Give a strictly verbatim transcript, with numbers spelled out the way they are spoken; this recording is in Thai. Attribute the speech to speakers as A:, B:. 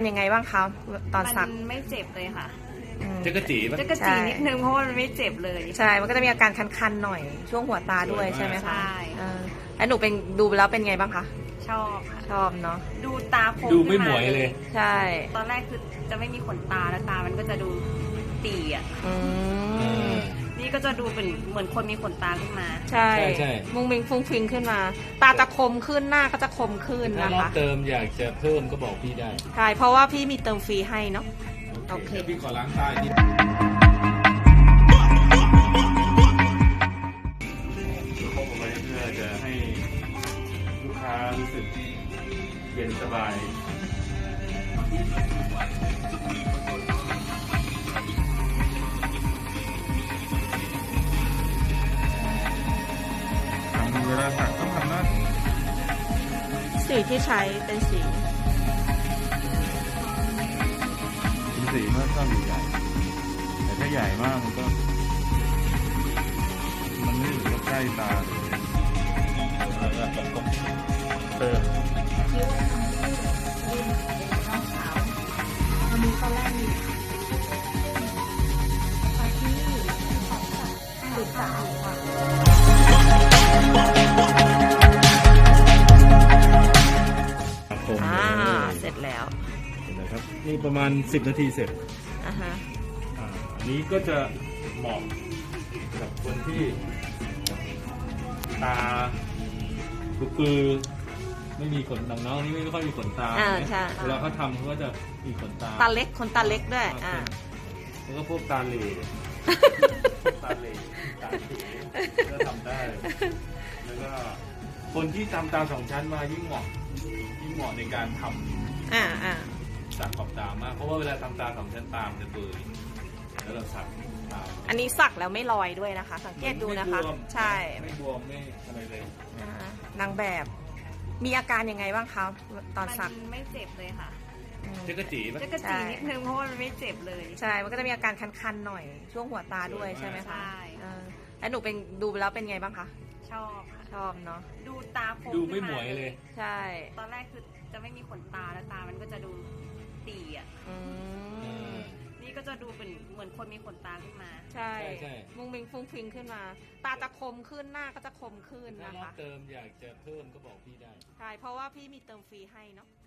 A: ยังไงบ้างคะตอนสัก
B: มันไม่เจ็บเลยค่ะ
C: จะกระจีป่ะ
B: จะกระจีนิดนึงเพราะว่ามันไม่เจ็บเลย
A: ใช่มันก็จะมีอาการคันๆหน่อยช่วงหัวตาด้วยใช่ไหมคะ
B: ใช่
A: แล้วหนูเป็นดูแล้วเป็นไงบ้างคะ
B: ชอบค่ะ
A: ชอบเนาะ
B: ดูตาคม
C: ดูไม่หมวยเลย
A: ใช่
B: ตอนแรกคือจะไม่มีขนตาแล้วตามันก็จะดูตีอ่ะนี่ก็จะดูเป็นเหมือนคนมีขนตาขึ้นมา
A: ใช่ใช่มุงมิงฟุ้งฟิงขึ้นมาตาจะคมขึ้นหน้าก็จะคมขึ้นนะคะถ้าร
C: อบเติมอยากจะเพิ่มก็บอกพี่ได้
A: ใช่เพราะว่าพี่มีเติมฟรีให้เนาะ
C: โอเคพี่ขอล้างตาทีเข้าไปเพื่อจะให้ลูกค้ารู้สึกเย็นสบายเวลาสักต้องทำหน้า
A: สีที่ใช้เป็นสี
C: เป็นสีเมื่อต้นใหญ่แต่ถ้าใหญ่มากมันก็มันไม่ถึงกับใกล้ตาเลยแล้วก็ตบเติม
A: คิ้วทำให้ยืนน้องสาววันนี้ตอนแรกมีตอนที่ของสัตว์ติดตาค่ะอ่าเสร็จแล้ว
C: เห็นไหมครับนี่ประมาณสิบนาทีเสร็จ
A: อ่าฮะ
C: อ่าอันนี้ก็จะเหมาะกับคนที่ตาปือไม่มีขนดังน้องนี่ไม่ค่อยมีขนตาเวลาเขาทำเขาก็จะมีขนตา
A: ตาเล็กขนตาเล็กด้วยอ่า
C: แล้วก็พวกตาเหล่ตาเหล่ตาเหล่ก็ทำได้แล้วก็คนที่ทำตาสองชั้นมายิ่งเหมาะยิ่งเหมาะในการทำ
A: อ่าอ่า
C: สักขอบตามากเพราะว่าเวลาทำตาสองชั้นตามจะเปื่อยแล้วเราสักตา
A: อันนี้สักแล้วไม่ลอยด้วยนะคะสังเกตดูนะคะใช่
C: ไม่บวมไม่อะไรเลย
A: นางแบบมีอาการยังไงบ้างคะตอนสัก
B: ไม่เจ็บเลยค่ะ
C: จะกระจีป่ะ
B: จะกระจีนิดนึงเพราะว่ามันไม่เจ็บเลย
A: ใช่มันก็จะมีอาการคันๆหน่อยช่วงหัวตาด้วยใช่ไหมคะ
B: ใช่
A: แล้วหนูเป็นดูแล้วเป็นไงบ้างคะ
B: ชอบค่ะ
A: ชอบเนาะ
B: ดูตาคม
C: ดูไม่หมวยเลย
A: ใช่
B: ตอนแรกคือจะไม่มีขนตาแล้วตามันก็จะดูตีอ่ะนี่ก็จะดูเป็นเหมือนคนมีขนตาขึ้นมา
A: ใช่มุงมิงฟุ้งฟิงขึ้นมาตาจะคมขึ้นหน้าก็จะคมขึ้นนะคะ
C: ถ้ารอบเติมอยากจะเพิ่มก็บอกพี่ได้
A: ใช่เพราะว่าพี่มีเติมฟรีให้เนาะ